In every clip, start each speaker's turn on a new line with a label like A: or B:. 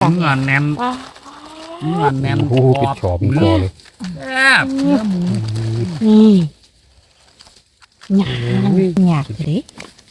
A: เนื้อแน่นเนื้อแน่น
B: โอ้ปิดฉอบเป็นคอเลย
A: แซ่บเนื้อหมู
C: นี่หยากเลย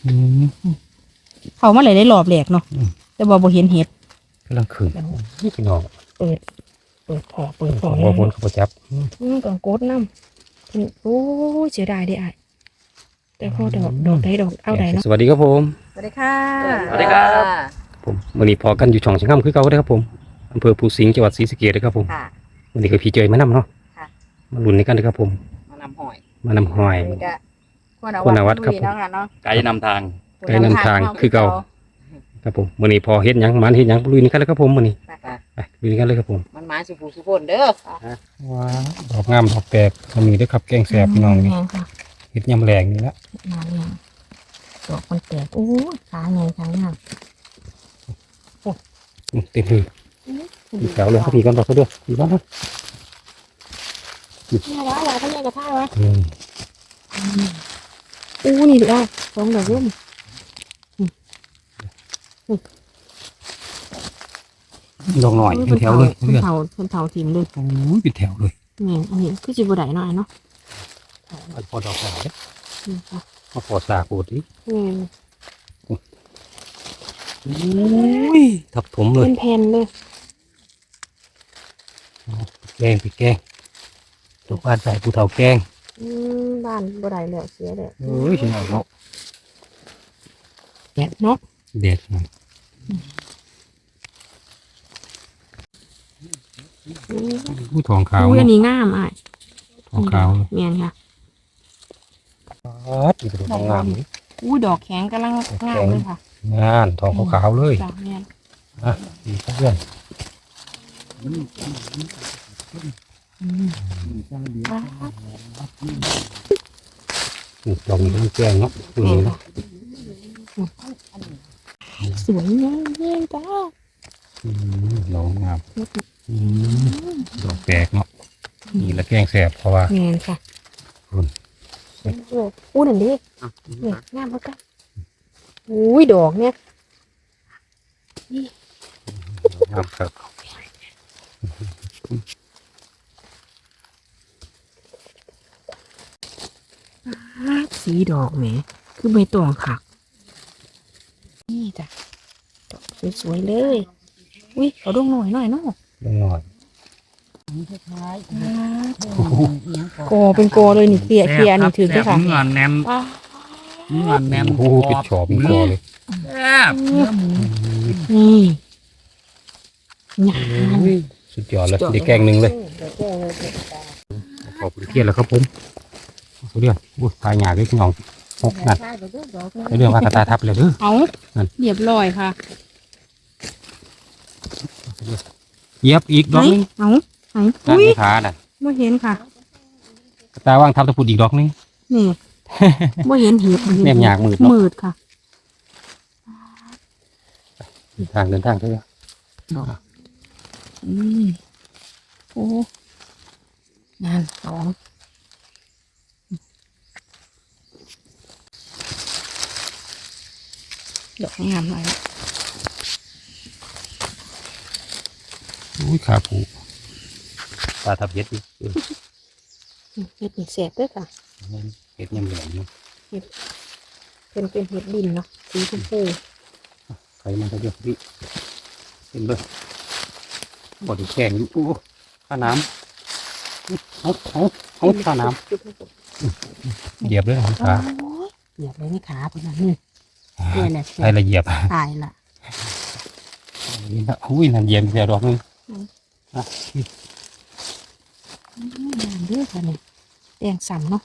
C: เขามาเลยได้หลอบแหลกเนาะแต่บ่เห็นเห็ด
B: กำลังขึ้นนี่พี่น้อง
C: เปิดพอ
B: ว่าพ้นเขาจับ
C: กังโกดน้ำโอ้เสียดายได้อ่ะแต่พอดอกได้ดอกเอาได้เนาะ
B: สวัสดีครับผม
C: สวัสดีค่ะ
A: สวัสดีครับ
B: ผมวันนี้พอกันอยู่ช่องเชียงคำคือเก่าได้อครับผมอำเภอภูสิงห์จังหวัดศรีสะเกษนะครับผม
C: ค่ะ
B: วันนี้ก็พี่เจยมานำเนาะ
C: ค่ะ
B: มาลุ้นในกันนะครับผม
C: มานำหอย
B: มานำหอย
C: นี่ก็
B: คุณอาวัฒน์ครับผม
C: เนาะค่ะเนาะ
A: ไก่นำทาง
B: ไกลนำทางคือเก่าครับผมวันนี้พอเฮ็ดหยังมันเฮ็ดหยังลุยในกันเลยครับผมวันนี้ไปลุยในกันเลยครับผม
C: มันมาสุภูสุพนเด้อ
B: ว้าวดอกงามดอกแปลกก็มีด้วยครับแกงแสบพี่น้องนี่
C: ค่ะ
B: เฮ็ดยำแรงนี่ละ
C: มาเนี่ยดอกมันแตกโอ้ขาไงขาเนี่ย
B: เต็มเลยมีแถวเลยครับพี่กันดอกเขาด้วยพี่บ้านนะ
C: เนี่ยละอะไรเขาเรียกกระทะวะ
B: อืม
C: นี่ดูได้สองดอกร่ม
B: ดอกหน่อยเป็นแถวเลย
C: เป็น
B: เลือด
C: เผาทีมเลย
B: โอ้ยเป็นแถวเลย
C: เนี่ยอันนี้คือจิบได้หน่อยเนาะ
B: เอาพอดอกหน่อย
C: นี่ค่ะ
B: มาพอสาโกดดิ
C: นี่
B: โอ้ยทับถมเลย
C: เป็นแผ่นเลย
B: แกงพี่แกงตัวบ้านใส่ผู้เฒ่าแกง
C: บ้านบ่ได้แล้วเสียแล้ว
B: เอ้ยชิเอาเนาะ
C: แกะเนาะ
B: เด็ดมันผู้ทองขาว
C: อุ้ยอันนี้งามอ่ะ
B: ทองขาวเลย
C: เมียนค่ะ
B: ปัดอีกตัวงามนี่
C: อุ้ยดอกแข็งกำลังงามเลยค่ะ
B: งานทองขาวๆเลย
C: ดอกเมียน
B: อ่ะดีครับเพื่อนดอกนี้ต้องแกงเนาะตัวนี้เนาะ
C: สวยงามเยี่ยมจ้า
B: ดอกงามดอกแปลกเนาะนี่ละแกงแสบเพราะว่า
C: เมียนค่ะ
B: คุณ
C: อู้นั่นดิเนี่ยงามมากกันอุ้ยดอกเนี่ย
B: งามครับ
C: สีดอกแหมคือใบตองค่ะนี่จ้ะดอกสวยๆเลยอุ้ยเขาดงหน่อยเนาะ
B: ลงหน่อย
C: กอเป็นกอเลยนี่เคลียร์นี่ถือด้วยค่ะ
A: เนื้อแน่นเนื้อแน่น
B: โอ้ปิดฉอบเป็นคอเลย
A: แซ่บเนื้อหมู
C: นี่หยา
B: สุดยอดเลยได้แกงหนึ่งเลยขอบคุณเทียนแล้วครับผมเขาเรียกตายหยาด้วยพี่น้องหกนั่นเรื่องว่ากระตาทับเลยเด้อ
C: เอาเรียบร้อยค่ะ
B: เย็บอีกดอกนึง
C: เอา
B: นั่น
C: อุ้ย
B: ในขาน่ะ
C: ไม่เห็นค่ะ
B: กระตาว่างทับตะพุดอีกดอกนึง
C: นี่ไม่เห็นเห็บ
B: แนมหยากมืดเนาะ
C: มืดค่ะ
B: ทางเดินทางเถอะ
C: โอ้งานสองดอกงามเลย
B: อุ้ยขาผูตาทับเย็ดดิ
C: เห็ดนี่แสบด้วยค่ะ
B: เห็ดยำแหลมเนาะ
C: เป็นเห็ดดินเนาะสีชมพู
B: ใครมันจะเยอะดิเป็นเลยบอดี้แข็งอยู่โอ้ข้าน้ำเอาข้าน้ำเหยียบเลยของขา
C: เหยียบเลยนี่ขาเป็นแบบนี้เนี่ยแหละ
B: ใครละเหยียบ
C: ตายละ
B: นี่นะอุ้ยนั่นเหยียบเสียดอกนึง
C: งามด้วยค่ะนี่แดงสัมเนาะ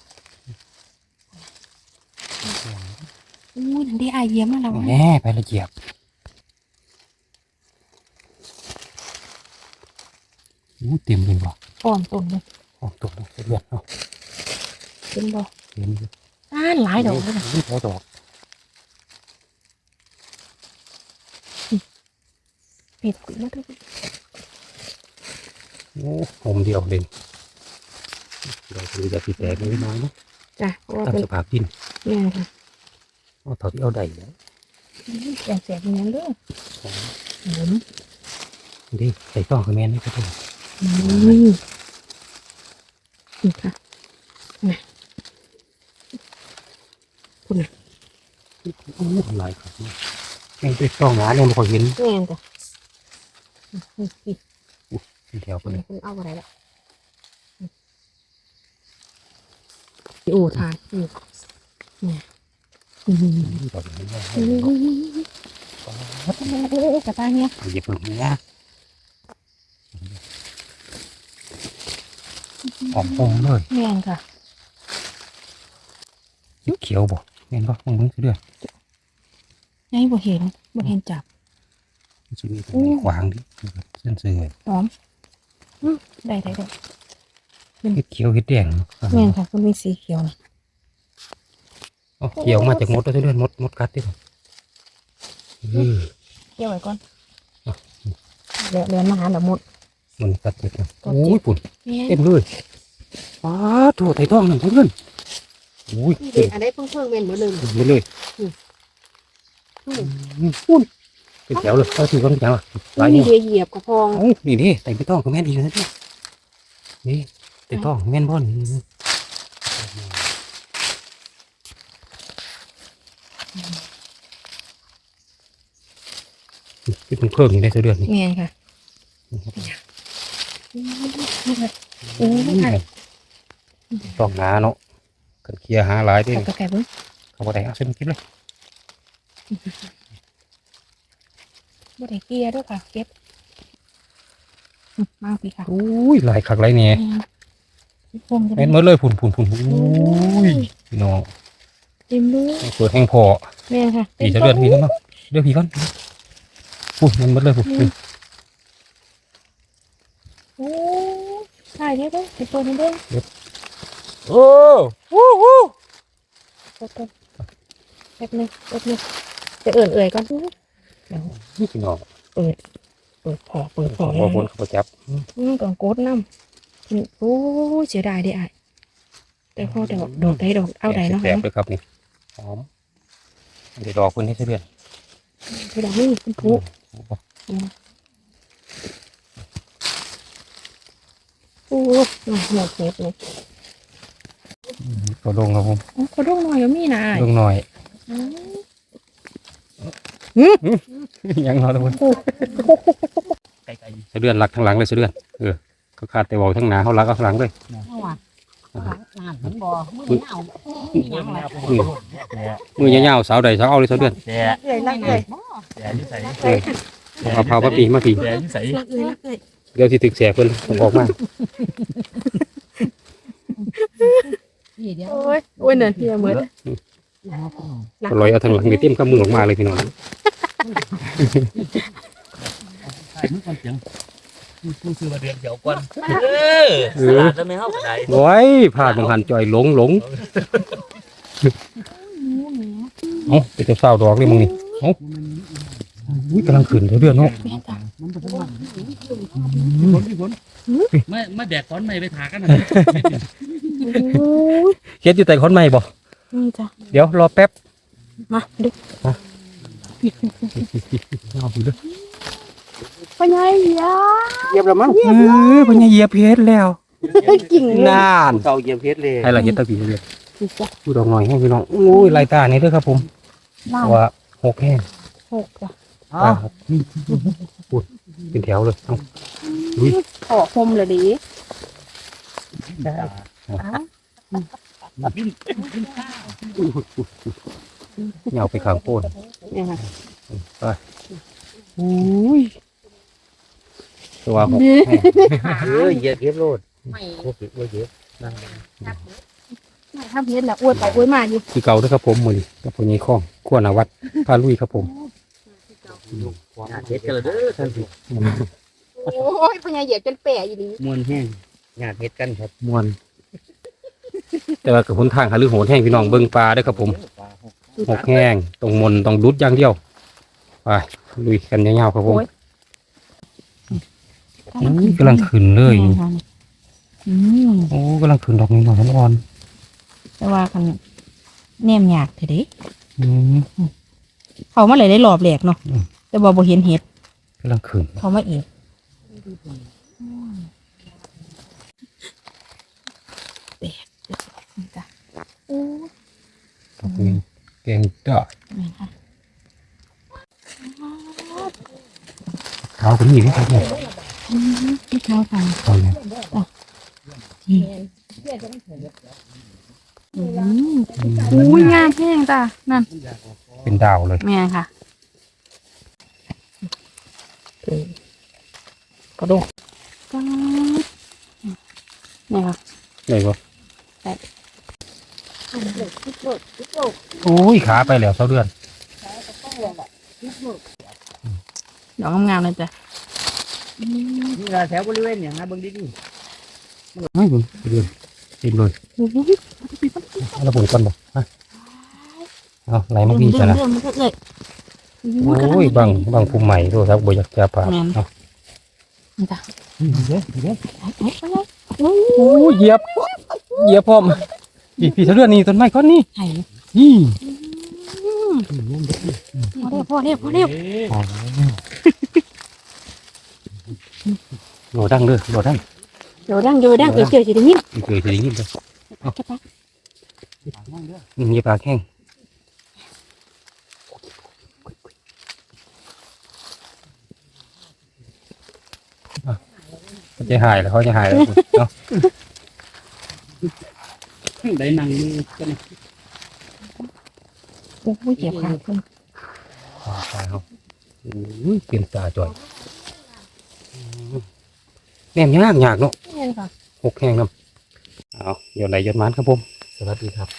C: อุ้ยนั่นได้อายเยี่ยมมากแล้ว
B: แน่ไปละเหยียบอู้เต็มเลยว่ะ
C: อ่อนต้นเลย
B: โอ้ตกเลยเลือดเนาะ
C: เป็นบ่
B: เต็มเลย
C: หลายดอกเลย
B: นี่พอดอก
C: เห็ดกุยมาด้วย
B: โอ้ผมเดียวเด่นเราคือจะติดแตกน้อยๆนะ
C: จ้ะเพราะว่า
B: ตาม
C: เป็น
B: สภาพดิน
C: เนี่ยค่ะ
B: เอาเท่าที่เอาได้แล้ว
C: แดงแสบอย่างนั้นด้วยหอม
B: ดิใส่ต้องกับแม่นี่ก็ได้
C: นี่ค่ะนะคุณน่ะ
B: โอ้หลายครับแม่งเป็นต้องหาเนี่ยมันก็เห็น
C: แม่นจ้ะนี่
B: เป็นแถวไปเลย
C: คุณเอาอะไรละโอ้ทานนี่เนี่ย
B: ดอกนี้
C: กระตาเนี่ย
B: เหยียบลงเนี่ยหอมเลย
C: แม่นค่ะ
B: เขียวบ่แม่นบ่มึงคือเดือด
C: ไงบ่เห็นจับ
B: ชีวิตขวางดิเส้นเสือ
C: หอมได้
B: เห็ดเขียวเห็ดแดง
C: แม่นค่ะคุณมีสีเขียวนะ
B: เขียวมาจากมดแล้วเดือดมดกัดดิ
C: เกี่ยวไว้ก่อนเดี๋ยวมาหาแบบหมด
B: มันกัดเจ็บนะโอ้ยปุ่น
C: แม่
B: เต็มเลยป้าถั่วไถ่ทองหนึ่งเพื่อนโอ้ย
C: เด็กอันได้เพิ่งเม่นหมดเลย
B: เต็มไปเลยปุ่นเป็นแถวเลยเอาถือกันแถวหลาย
C: นี่
B: เนี่ย
C: เหยียบกระพอง
B: นี่ดิไต่ไม่ต้องก็แม่นดีนะนี่ไต่ต้องแม่นบ่อนที่เป็นเพิ่มอยู่ในเดือนนี้
C: แม่นค่ะโอ้ย
B: ต้องหาเนาะกันเคลียร์หาหลายด้วย
C: ไก่เบิ้ง
B: เขาบอกได้เอาเส้นคลิปเลย
C: บ่ได้เกียร์ด้วยค่ะเก็บมาพี่ค่ะ
B: อุ้ยหลายคักหลายเนี่ย
C: พวงจะ
B: แม่นหมดเลยผุนอุ้ยพี่น้อง
C: เต็มเลย
B: เปิดแห้งพอ
C: แม่ค่ะ
B: ผีจะเลือดพี่น้องเลือดพี่ก่อนพูดมันหมดเลยพูด
C: โอ้ใช่ได้ด้วยไปเปิดมันด้วย
B: โอ้โห
C: แป๊บนึงจะเอื่อยก่อนเดี๋ยว
B: นี่พี่น้อง
C: เปิดพอ
B: ขอคนเขาจับ
C: ก่อนโกดน้ำโอ้เสียดายเด้อ่ะแต่พอดอกได้ดอกเอาใดเนาะ
B: แสบเลยครับนี่หอมเดี๋ยวดอกคนให้เดือด
C: คือดอกนี่เป็นผู้โอ้หมดเห็บเลย
B: ตัวลงครับผม
C: เขาดงหน่อยก็มีนะ
B: ลงหน่อยยังรอทุกคนเดือนหลักทางหลังเลยเดือนเขาขาดแต่บอกทั้งหนาเขารักเอาข้างหลังเลย มือยาวๆสาวใดสาวเอาเลยเดือน
A: แย่
C: เลยลักเลย
A: แย่ที่ใส่
B: เอาเผามาปี
A: แย่ที่ใส่
C: ลักเลย
B: เดี๋ยวที่ตึกแสบเพิ่นออกมา
C: โอ้ยเนินเพียเหมือน
B: ลอยเอาทางหลังไปเต็มกับมือออกมาเลยพี่น้อง
A: ใส่มือก่อนเสียงกูซื้อมาเดือนเดียวก่อนสลัดจะไม่เข้าไหน
B: โอ้ยพลาดบางหันจ่อยหลงเอ้าเป็นเจ้าสาวดอกเลยมึงนี่เอ้าอุ้ยกำลังขึ้นเดือนเนาะ
A: ไม่แดกก้อนไม่ไปถากันนะ
B: เฮ็ดอยู่แต่คนใหม่บ่
C: นี่จ้ะ
B: เดี๋ยวรอแป๊บ
C: มาดู
B: เอาอยู่เด้อ
C: พ่อใหญ่ยา
B: เหยียบแล้วมั้งเพิ่นเหยียบเฮ็ดแล้ว
C: กิ่ง
B: นาน
A: เขาเยี่ยมเพชรเลย
B: ให้ละเฮ็ดตะกี้เดือน
C: จ้ะ
B: ดูดอกหน่อยให้พี่น้องโอ้ยลายตานี่เด้อครับผม
C: ล่า
B: เพราะว่าหกแห้ง
C: 6จ้ะ
B: ตาครับพูดเป็นแถวเลยเอ้า
C: ขอคมเลยดิ
B: เหงาไปข้างโพน
C: เนี่ยค่ะ
B: อุ้ยตัวหก
A: เหยียบเพชรโลด
C: ไม่
A: โอเคโอเค
C: ถ้าเพี้ยนแล้วอวยไปอวยมาอยู่
B: คือเก่าด้วยครับผมมือนี้กับผมยี่ข้องขั้วนาวัดพาลุยครับผม
A: เพชรกันเลยเด้อท่านผู้
C: โอ้ยพ่อใหญ่เหยียบจนแปะอยู่ดี
A: มวนแห้งงานเพชรกันครับ
B: ม่วน แต่ว่ากับหนทางหาลือโหนแห้งพี่น้องเบิ่งปลาด้วยครับผมหกแห้งตรงมนต้องดุดอย่างเดียวไปลุยกันยาวๆครับผมกำลังขึ้นเลยโอ้กำลังขึ้นดอกนี้หน่อยอ่อน
C: แต่ว่าคันแนมยากเถอะเดิ
B: อืม
C: เขามาเลยได้รอบแหลกเนาะแต่บ่เห็นเห็ด
B: กำลังขึ้น
C: เขามาอีกแตกนี่จ้ะโอ้
B: แกงจ้า
C: แม่ค่ะ
B: เท้าเป็นหนีไหมครับเนี่ย
C: ที่เท้าฟัง
B: เอาเนี่ย
C: อุ้ยงามแห้งจ้ะนั่น
B: เป็นดาวเลย
C: แม่ค่ะกระโดดก็นี่ค่ะ
B: เลยบ่
C: ได้
B: โอ้ยขาไปแล้วเท่าเดือน
C: ดอกงามๆเลยจ้ะ
A: นี่ละแถวบริเวณอย่างนะเบิ่งดี
B: ไม่บุญเดือนเต็มเลยเอาระเบิดก่อนบ่ฮะเอาไหลมาพี่จ้ะนะ
C: เรื่องมันก็เลย
B: โอ้ยบางภูมิใหม่ด้วยครับบ่อยากจะผ่าเอา
C: นี่จ้ะ
A: ๆนี่เด้อนี่เด้อ
C: โอ้
B: โอ้ยเหยียบพร้อมพี่เท่าเดือนนี่ต้นไม้ก้อนนี้
C: ไห่
B: นี่
C: พอเร็ว
B: โหลดังเลยโหลดัง
C: โดดังเจอจะได้ยิน
B: เคยได้ยินเลย
C: จะปะ
B: มีปลาแข้งเขาจะหายแล้วเขาจะหายแล้วเนาะ
A: ได้นั่งมือกัน
C: โอ้ยเจ็บขาเพิ่น
B: ตายเขาเปลี่ยนตาจ่อยแนมยากเนาะ
C: นี่ค่ะ
B: หกแห้งน้ำเอาโยนไหลโยนมันครับผม
A: สวัสดีครับ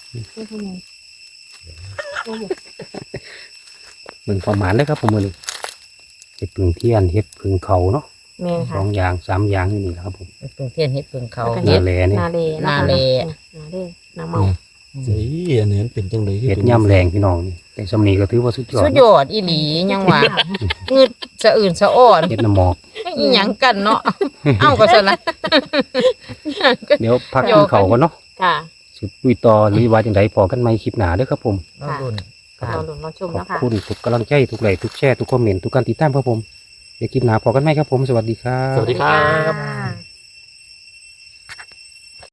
B: มึงความหมานเลยครับผมมือนี้เห็ดผึ่งเทียนเห็ดผึ่งเขาเนาะ
C: แม่
B: ส
C: ค่ะ
B: องอย่างสามอย่างนี่นี่แหละครับผม
D: เพิ่งเทียนเฮ็ดเพิ่งเขา
B: นาแลนี่
C: นาเล
D: นาเล
C: นาเมา
A: สิอันนี้มันเป็นจังได๋
B: เห็ดย่ำแรงพี่น้องนี่แต่สำนีก็ถือว่าสุดยอด
D: สุดยอดอีหลียังว่างึดสะอื่นสะอ่อน
B: เห็ดน้ำหมอก
D: อีหยังกันเนาะเอ้าก็ซะละ
B: เดี๋ยวพักกินเขาวก่อนเนาะ
C: ค่ะ
B: สุดลุยต่อหรือว่าจังไดพอกันไหมคลิปหนาเด้อครับผม
D: น้องรุ่น
C: เราหลุนเราชม
B: ขอ
C: แล้
B: บ
C: วค่ะ
B: คุณทุกกำลังใจทุกไลค์ทุกแชร์ทุกคอมเมนต์ทุกการติดตามครับผมเดี๋ยวคลิปหนาพอกันไหมครับผมสวัสดีครับ
A: สวัสดีครับ
C: ค่ะ